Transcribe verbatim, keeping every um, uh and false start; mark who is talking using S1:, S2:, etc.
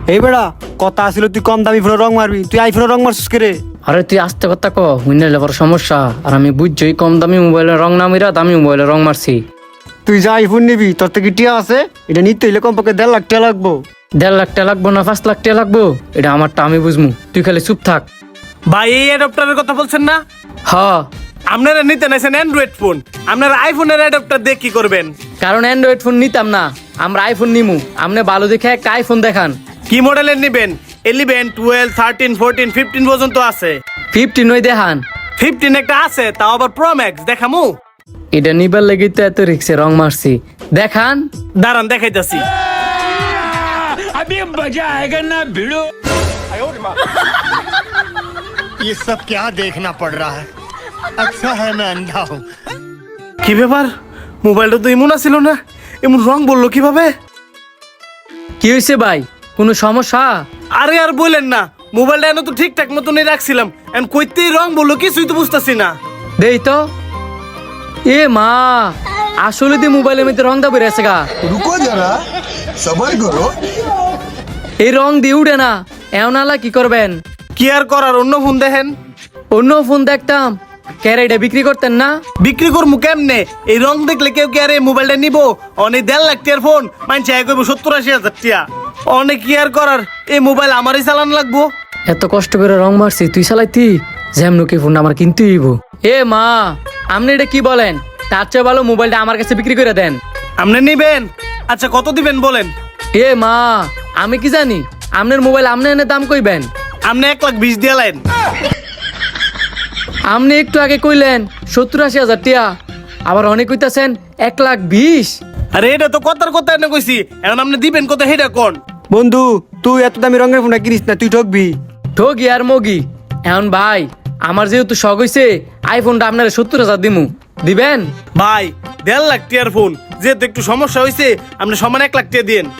S1: এই বেড়া কথা আসিল তুই কম দামি ফোনে রং মারবি, তুই আইফোনে রং মারছিস কে রে?
S2: আরে তুই আস্তে কথা ক, হুইনাইলে বড় সমস্যা। আর আমি বুঝছই কম দামি মোবাইলে রং না মিরা দামি মোবাইলে রং মারছি।
S1: তুই যা আইফোন নিবি তোর থেকে টিয়া আছে, এটা নিতে হইলে কমপক্ষে দেড় লাখ টাকা লাগবো।
S2: দেড় লাখ টাকা লাগবো না পাঁচ লাখ টাকা লাগবো এটা আমারটা আমি বুঝমু, তুই খালি চুপ থাক।
S3: ভাই এই অ্যাডাপ্টারের কথা বলছেন না?
S2: হ,
S3: আপনারা নিতে নাইছেন অ্যান্ড্রয়েড ফোন, আপনারা আইফোনের অ্যাডাপ্টার দিয়ে কি করবেন?
S2: কারণ অ্যান্ড্রয়েড ফোন নিতাম না, আমরা আইফোন নিমু। আপনি ভালো দেখে একটা আইফোন দেখান।
S3: কি মডেলের নিবেন? Eleven, twelve, thirteen, fourteen, fifteen পর্যন্ত আছে।
S2: ফিফটিন ওই দেখান।
S3: ফিফটিন একটা আছে, তাও আবার প্রো ম্যাক্স, দেখামু?
S2: এটা নিবার লেগে তো এত রিক্সে রং মারছি, দেখান।
S3: দাঁড়ান দেখাইতাছি।
S4: ये सब क्या देखना पड़ रहा है। अच्छा है मैं अंधा हूँ।
S3: কি ব্যাপার, মোবাইলটা তো এমন ছিল না, এমন রং বললো কিভাবে?
S2: কি হয়েছে ভাই, কোনো সমস্যা?
S3: আরে আর বলেন না, মোবাইলটা এনে তো ঠিকঠাক মতনই রাখছিলাম, এখন কইতেই রং বললো, কিছুই তো বুঝতেছি না।
S2: দেই তো। এ মা, আসলে দি মোবাইলের মধ্যে রং দাবি রেছে গা।
S5: रुको जरा सबर करो।
S2: এই রং দিয়ে উঠে না, এমন আলা কি করবেন?
S3: কি আর করার, অন্য ফোন দেখেন।
S2: অন্য ফোন দেখতাম, ক্যারেটা বিক্রি করতেন না?
S3: বিক্রি করবো কেমনে? এই রং দেখলে কেউ কি আর এই মোবাইলটা নিবো? অনেক দেড় লাখ টিয়ার ফোন মানছে এক সত্তর আশি হাজার টিয়া। অনেক কি আর করার, এই মোবাইল আমারই চালান লাগবো।
S2: এত কষ্ট করে রং মারছি, তুই চালাইতি যেমন কি ফোন আমার কিনতে হইব। এ মা, আপনি এটা কি বলেন? তার চেয়ে ভালো মোবাইলটা আমার কাছে বিক্রি করে দেন।
S3: আপনি নিবেন? আচ্ছা কত দিবেন বলেন?
S2: এ মা, আমি কি জানি আপনার মোবাইল আপনি এনে দাম কইবেন?
S3: আপনি এক লাখ বিশ দিয়ে লাইন।
S2: আপনি একটু আগে কইলেন সত্তর আশি হাজার টিয়া, আবার অনেক কইতাছেন এক লাখ বিশ।
S3: আরে এটা তো কথার কথা এনে কইছি, এখন আপনি দিবেন কত হেটা কোন?
S1: বন্ধু তুই এত দামি রঙের ফোনটা কিনিস না, তুই ঠকবি।
S2: ঠগি আর মগি, এখন ভাই আমার যেহেতু শখ হইছে আইফোনটা আপনার সত্তর হাজার দিমু, দিবেন?
S3: ভাই দেড় লাখ টিয়ার ফোন যেহেতু একটু সমস্যা হয়েছে, আপনি সমান এক লাখ টিয়া দিন।